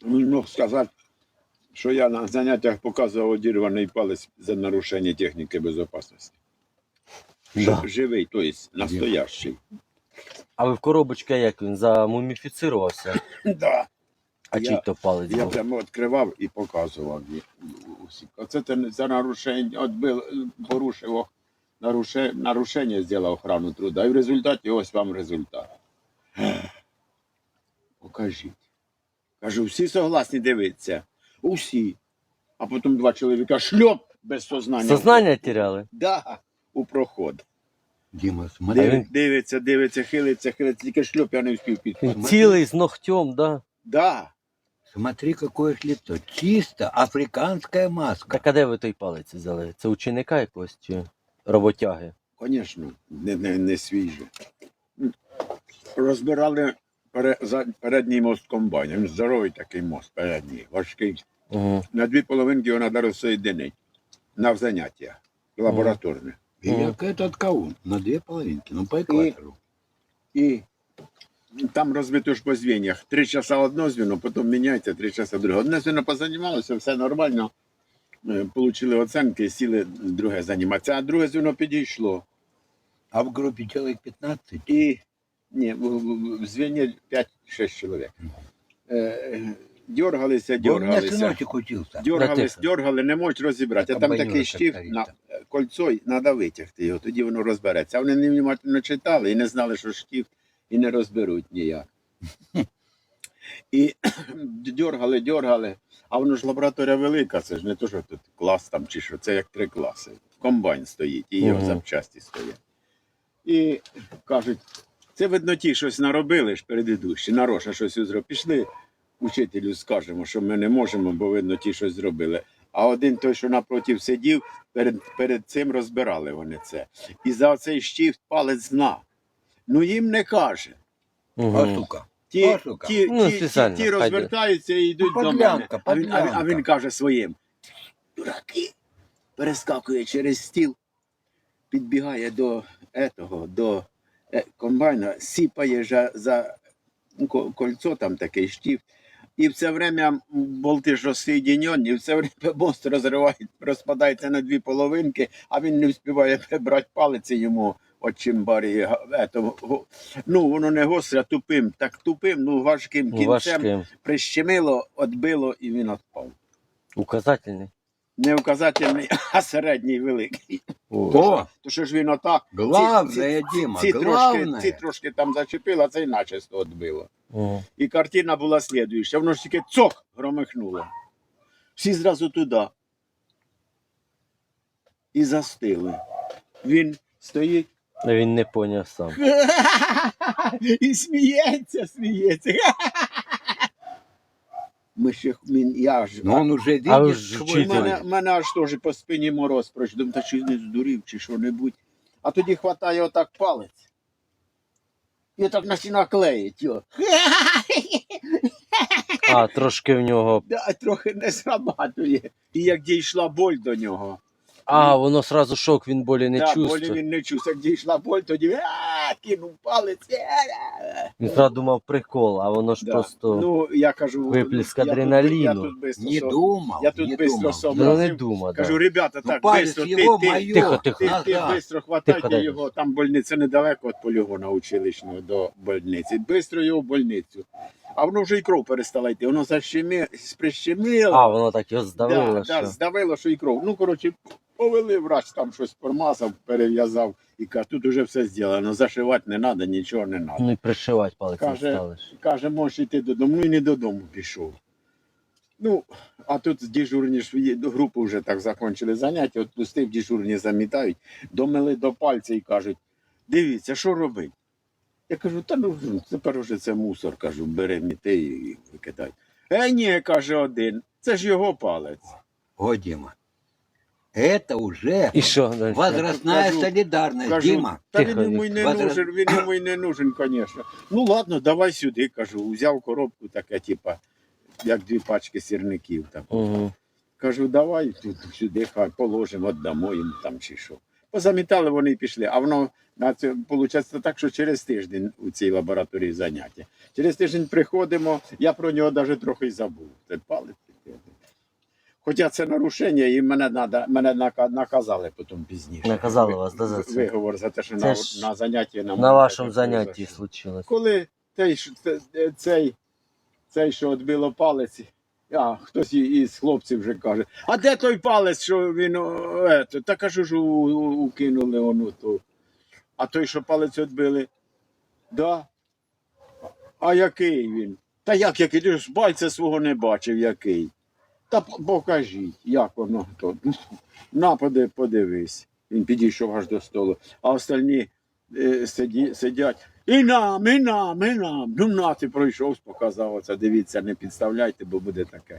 Він мог сказати, що я на заняттях показував одірваний палець за нарушення техніки безпечності. Да. Живий, тобто настоящий. А ви в коробочці як він замуміфіцирувався? Да. А чий то палець Я був? прямо відкривав і показував усі. Оце ти за нарушення, порушив нарушення, зробив охрану труда. І в результаті ось вам результат. Покажіть. Кажу, всі согласні дивитися? Усі. А потім два чоловіка шльоп без сознання. Сознання теряли? Да, у проход. Дима, смотри. Дивиться, хилиться, тільки шльоп я не встиг підхватити. Цілий з ногтем, да? Да. Смотри, какое ж лицо. Чисто африканская маска. Так а де ви той палець взяли? Це ученика якогось чи роботяги? Звісно, не свіже. Розбирали передній мост комбайна. Він здоровий такий мост передній, важкий. Угу. На дві половинки його треба розсоєдинити. На заняття лабораторне. И як этот каун на две половинки, ну по экватору. І там розбито ж по звеньях. 3 часа одно звіно, потім міняється, 3 часа друге. Одне звіно позанімалося, все нормально. Получили оценки, сіли друге займатися. А друге звіно підійшло. А в группе человек 15. І ні, в звіні 5-6 чоловік. Дергалися. У меня сыночек учился. Дергали, не можуть розібрати. А там такий штиф на кольцо, і треба витягти його, тоді воно розбереться. А вони невнимательно читали і не знали, що штиф, і не розберуть ніяк. І дергали, а воно ж лабораторія велика, це ж не то, що тут клас там чи що, це як 3 класи. Комбайн стоїть, і його запчасті стоять. І кажуть, це видно ті щось наробили ж передидущі, нароша щось зробили. Пішли учителю, скажемо, що ми не можемо, бо видно ті щось зробили. А один той, що напротив сидів, перед цим розбирали вони це. І за оцей штифт палець зна. Ну їм не каже. А сука. Ті розвертаються і йдуть до мене. А він каже своїм: дураки, перескакує через стіл, підбігає до комбайна, сіпає за кольцо, там такий штифт, і все время болти ж розсоєдинені, і все время мост розпадається на 2 половинки, а він не встигає прибрати палець йому от чимбарі. Ну, воно не гостре, тупим, ну важким кінцем прищемило, відбило і він відпав. Указательний? Не указательний, а середній великий. О! То що ж він отак, Главное, Дима, главное. ці трошки там зачепило, а цей начисто відбило. І картина була слідуюча. Воно ж тільки цок громихнуло. Всі зразу туди. І застили. Він стоїть. Він не поняв сам. І сміється. Я ж... Но он уже видит свой Мене аж теж по спині мороз пройшов. Думаю, та чи не здурів, чи що-небудь. А тоді хватає отак палець. І отак починає клеїть його. А, трошки в нього... Да, трохи не срабатує. І як дійшла боль до нього. А, воно сразу шок, він болі не Болі чувствує. він не чувствує. Як дійшла боль, тоді кинув палець. Він сразу думав прикол, а воно ж просто... Ну, я кажу, виплеск адреналіну. Я тут бистро Не думал, Я тут не бистро думал. Ну, не сообразив. дума, Кажу, да. ребята, Ну, так палец бистро, его ти моё. Тихо. бистро хватайте Тихо, дай. його, там больниця недалеко від полігона училищного до больниці. Бистро його в больницю. А воно вже і кров перестала йти, воно прищемило. А, воно так його здавило, Да, що... здавило, що і кров. Ну, коротше, повели, врач там щось промазав, перев'язав. І каже, тут вже все зроблено, зашивати не треба, нічого не треба. Ну і пришивати палець не стали. Каже, можеш йти додому. Ну і не додому пішов. Ну, а тут дежурні ж групу вже так закінчили заняття, от пустив, дежурні замітають, домили до пальця і кажуть, дивіться, що робить? Я кажу, та ну, тепер вже це мусор, кажу, бери міти і викидай. Ні, каже один, це ж його палець. О, Дима, это уже І що далі? возрастная Кажу, солидарность, Кажу, Дима. та Тихо, він йому й не нужен, він йому й не нужен, звісно. Ну ладно, давай сюди, кажу, взяв коробку таке, типа, як 2 пачки сірників. Там. Угу. Кажу, давай тут сюди, хай положимо, віддамо їм там чи що. Позамітали вони і пішли. А воно виходить так, що через тиждень у цій лабораторії заняття. Через тиждень приходимо, я про нього навіть трохи й забув. Це палець. Хоча це нарушення, і мене наказали потім пізніше. Наказали вас, да, за це? Виговор за те, що Це на ж занятті На вашому занятті случилось. Коли цей, що відбило палець, хтось із хлопців вже каже, а де той палець, що він, та кажу ж, укинули ону ту. А той, що палець відбили, да. А який він? Та який? Ти ж пальця свого не бачив, який. Та покажіть, як воно то. На, подивись. Він підійшов аж до столу. А остальні сидять. І нам. Ну, на, ти пройшов, показав оце. Дивіться, не підставляйте, бо буде таке.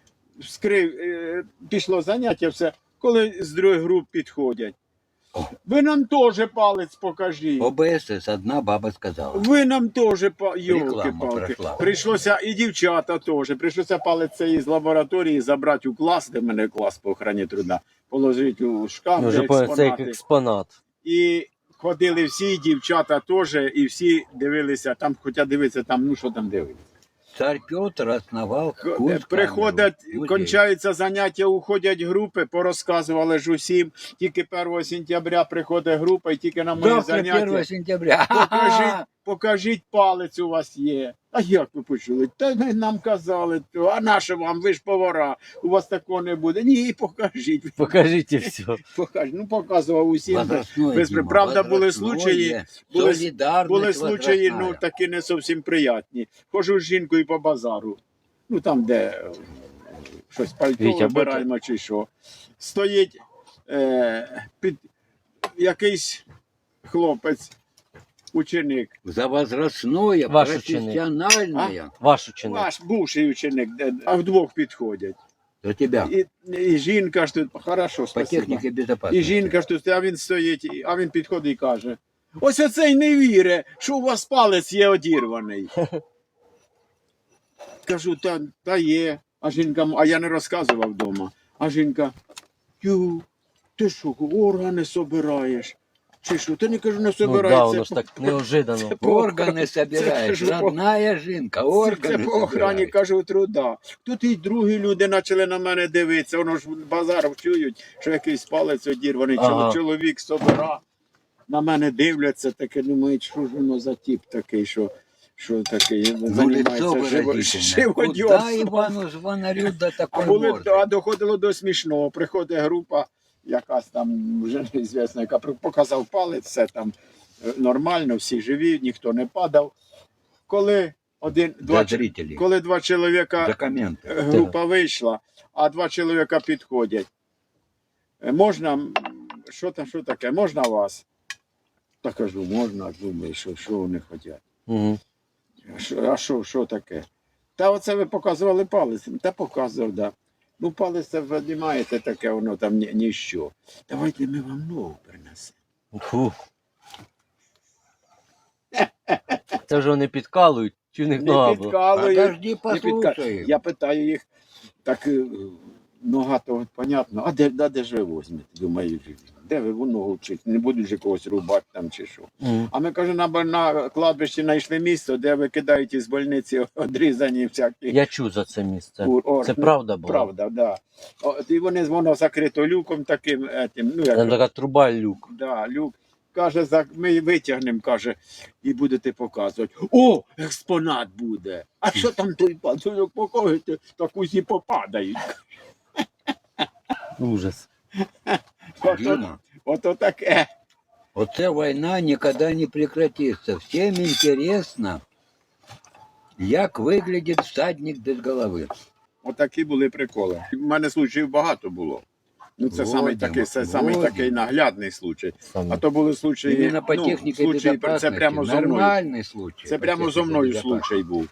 Пішло заняття, все. Коли з другої груп підходять. Ви нам теж палець покажіть. ОБСС одна баба сказала. Ви нам теж Реклама йолки-палки. пройшла. Прийшлося і дівчата теж. Прийшлося палець цей з лабораторії забрати у клас, де в мене клас по охороні труда, положити у шкаф, Вже де понял, це як експонати. експонат. І ходили всі, дівчата теж, і всі дивилися, там, хоча дивитися, там, ну що там дивитися. Царь Петр основал курс Приходять, камеру. кончаються заняття, уходять групи, порозказували ж усім. Тільки 1 сентября приходить група, і тільки на мої Завтра 1 заняття. сентября. Покажіть, палець у вас є. А як ви почули? Та нам казали, а наше вам, ви ж повара, у вас такого не буде. Ні, покажіть. Покажіть і все. Покажіть. Ну, показував усім. Возрастное, Дима, Правда, були возрастное, случаї, солидарность случаї, ну, возрастная. такі не зовсім приятні. Хожу з жінкою по базару, ну, там, де щось пальто Вітя, вибираємо чи що. Стоїть під якийсь хлопець, ученик. За возрастное, Ваш ученик. профессиональное. Ваш ученик. Ваш бувший ученик, а вдвох підходять. За тебя. І жінка ж тут, хорошо, По спасибо. технике безопасности. І жінка ж тут, а він стоїть, а він підходить і каже, ось оцей не віре, що у вас палець є одірваний. Кажу, та є. А жінка, а я не розказував вдома. А жінка, ти що, органи собираєш? Чи що? Ти не кажу, не Ну собираєш. да, воно ж так неожиданно. Органы собираешь, Це ж родная жінка, Це органы по охрані, собираешь. кажу, труда. Тут і другі люди почали на мене дивитися. Воно ж базар чують, що якийсь палець одірваний, Ага. чоловік собира. На мене дивляться, таке думають, що ж воно за тип такий, що такий, Ну, лицо займається выразительное. Куда живодьорством. Ивану Звонарю до А такой а морды? доходило до смішного. Приходить група, якась там вже неізвісна, яка показав палець, все там нормально, всі живі, ніхто не падав. Коли За зрителей, коли два чоловіка, за комменты. група вийшла, а два чоловіка підходять. Можна, що таке, можна вас? Та кажу, можна, думаю, що вони хочуть. Угу. А що таке? Та оце ви показували палець. Та показував, да. Ну, палець це ви не маєте таке, воно там ніщо. Давайте ми вам нову принесемо. Фу. Це вже вони підкалують, чи в них нога Не була? підкалують. Подожди, не послушай. Я питаю їх, так нога то от, понятно, а де ж ви возьмете? Думаю, де ви ногу вчити? Не будуть же когось рубати там чи що. Мгм. А ми, каже, на кладбищі знайшли місце, де викидають із больниці одрізані всякі. Я чув за це місце. органи. Це правда була? Правда, да. І воно закрито люком таким, ну Там як, така труба люк. да, люк. Каже, ми витягнемо, каже, і будете показувати. О, експонат буде. А що там той пацюк покажете, так усі попадають. Ужас. Дима, Ото таке. оце война никогда не прекратится. Всем интересно, як выглядит всадник без головы. Отакі були приколи. У мене случаїв багато було. Ну, це Водимо, самий такий наглядний случай. Саме. А то були случаї, Именно по технике случаї, це безопасности. прямо зо мною. Нормальный случай. Це по прямо зо технике мною безопасности. случай був.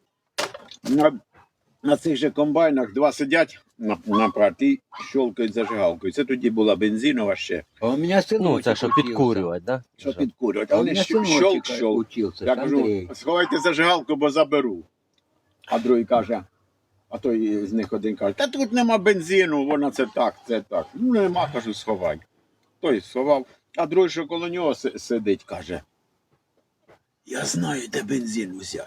На цих же комбайнах два сидять на парті і щолкають зажигалкою. Це тоді була бензинова ще, А у меня сыночек Ну, це що учился. підкурювати, да? що підкурюють. А А у вони меня щолк. сыночек учился, Я кажу, Андрей. сховайте зажигалку, бо заберу. А другий каже, а той з них один каже, та тут нема бензину, вона це так. Ну нема, кажу, сховай. той сховав, а другий, що коло нього сидить, каже, я знаю, де бензин взяти.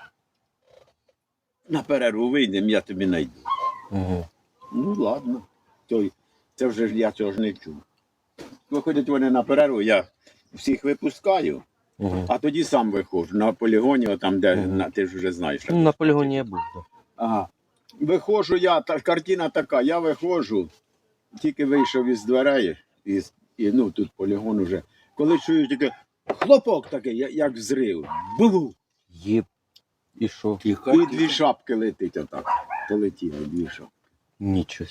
На перерву вийдемо, я тобі знайду. Угу. Ну, ладно. Це вже ж я цього ж не чув. Виходять вони на перерву, я всіх випускаю, Угу. а тоді сам виходжу на полігоні, там, де ти ж вже знаєш. Ну, на полігоні я був. Да. Ага. Виходжу я, картина така, я виходжу, тільки вийшов із дверей, ну тут полігон уже. Коли чую тільки хлопок такий, як взрив. Бу-бу! Єп. І що? Тихо, І тихо. дві шапки летить отак. Полетіли дві шапки. Нічого.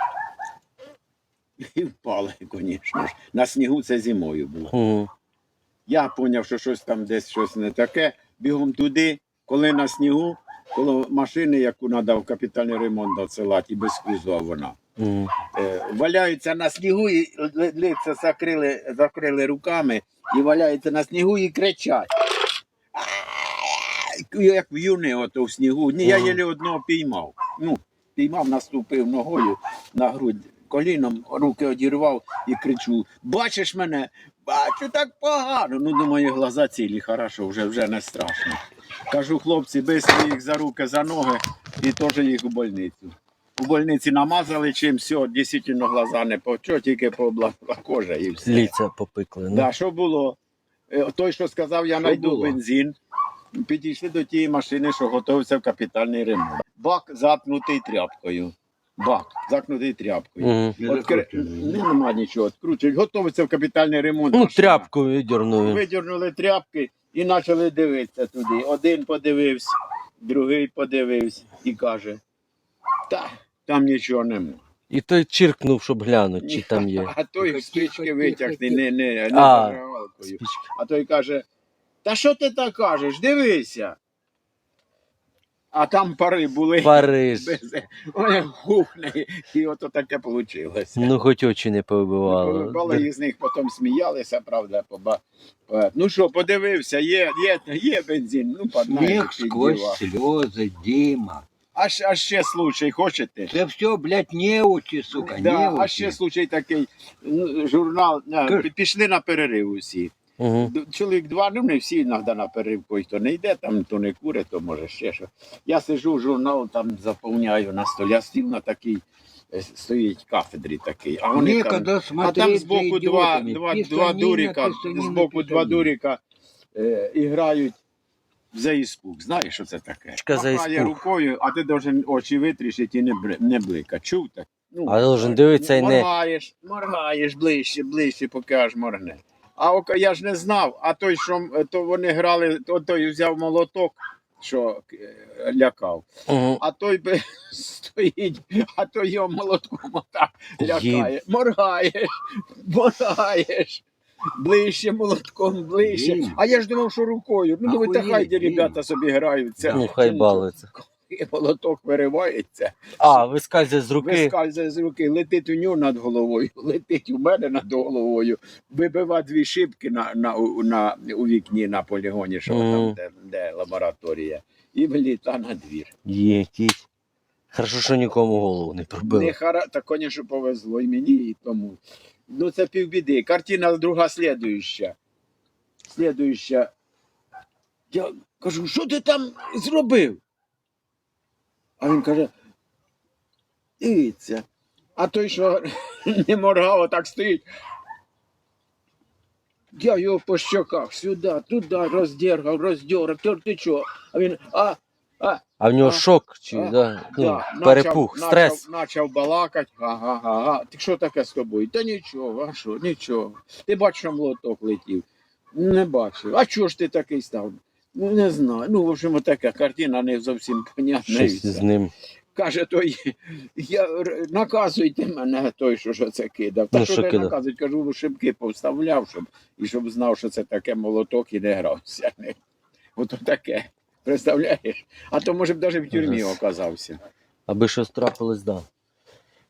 І впали, звісно ж. На снігу це зимою було. Угу. Я зрозумів, що щось там десь щось не таке. Бігом туди, коли на снігу, коло машини, яку треба в капітальний ремонт досилати, і без кузова вона. Угу. Валяються на снігу і лиця закрили руками і валяються на снігу і кричать. Як в'юни ото в снігу. Ні, я єлі одного піймав. Ну, піймав, наступив ногою на грудь, коліном, руки одірвав і кричу: бачиш мене? Бачу, так погано. Ну, думаю, глаза цілі, хорошо, вже не страшно. Кажу, хлопці, бистро їх за руки, за ноги і теж їх у больницю. У больниці намазали чим, все, дійсно глаза не почо, тільки поблакла кожа і все. Ліця попекли. Ну. Да, що було? Той, що сказав, я знайду було? бензин. Підійшли до тієї машини, що готувався в капітальний ремонт. Бак заткнутий тряпкою. Бак заткнутий тряпкою. Угу. Нема нічого, відкручують. Готовиться в капітальний ремонт. Ну, машина. тряпку видернули. Видірнули тряпки і почали дивитися туди. Один подивився, другий подивився і каже, там нічого нема. І той чиркнув, щоб глянути, чи там є. А той Тихо, спички тихо, витягне, тихо. не А. зажигалкою. Спічки. А той каже, та що ти так кажеш, дивися. А там пари були. Париж. Ой, гухне, і ото таке вийшло. Ну, хоч очі не повибивало. Повибивали, і з них потім сміялися, правда. Ну що, подивився, є бензин, ну, поднаєш, Смех сквозь слезы, Дима. А ще случай, хочете? Это все, блядь, неучи, сука, Да, неучи. а ще случай такий, журнал, Кажи. пішли на перерив усі. Угу. Чоловік два, ну не всі іноді на перерив, той, хто не йде, там, то не куре, то може ще що. Я сижу, журнал там заповняю на столі, а стіл на такий, стоїть кафедрі такий. А вони Некогда там, а смотреть там за збоку идиотами. два Писанина, дуріка, писанина, збоку два писанина. дуріка грають за іспуг. Знаєш, що це таке? Чка за Махає іспуг. рукою, а ти должен очі витрішити і не блика. Чув так? Ну, А должен дивитися і не. Моргаєш ближче, поки аж моргне. А я ж не знав, а той, що то вони грали, той взяв молоток, що лякав. Угу. А той стоїть, а той його молотком отак лякає. Моргаєш. Ближче молотком, ближче. Дім. А я ж думав, що рукою. Ну, думаю, та Охуєть, хай де Дім. ребята собі граються. Ну, хай балується. І молоток виривається. А, вискальзує з руки. Вискальзує з руки, летить у нього над головою, летить у мене над головою, вибива дві шибки у вікні на полігоні, що там, де лабораторія, і вліта на двір. Єтіть. Хорошо, що нікому голову не пробило. Так, звісно, повезло і мені, і тому. Ну, це півбіди. Картина друга слідуюча. Я кажу, що ти там зробив? А він каже, дивіться. А той, що не моргав, так стоїть. Я його по щоках сюди, туди роздергав, ти чого? А він, А в нього А, шок чи перепух, стрес. Начав балакати. Ага. Ти що таке з тобою? Та нічого, а що, нічого. Ти бачиш, що молоток летів? Не бачив. А чого ж ти такий став? Ну, не знаю. Ну, в общем, така картина не зовсім понятна. Щось з ним. Каже той, наказуйте мене, той, що це кидав. Та Ну, що що не кидав? наказують, кажу, шибки повставляв, щоб знав, що це таке молоток і не грався. Ото таке. Представляєш? А то, може б, навіть в тюрмі Ага. оказався. Аби щось трапилось, да.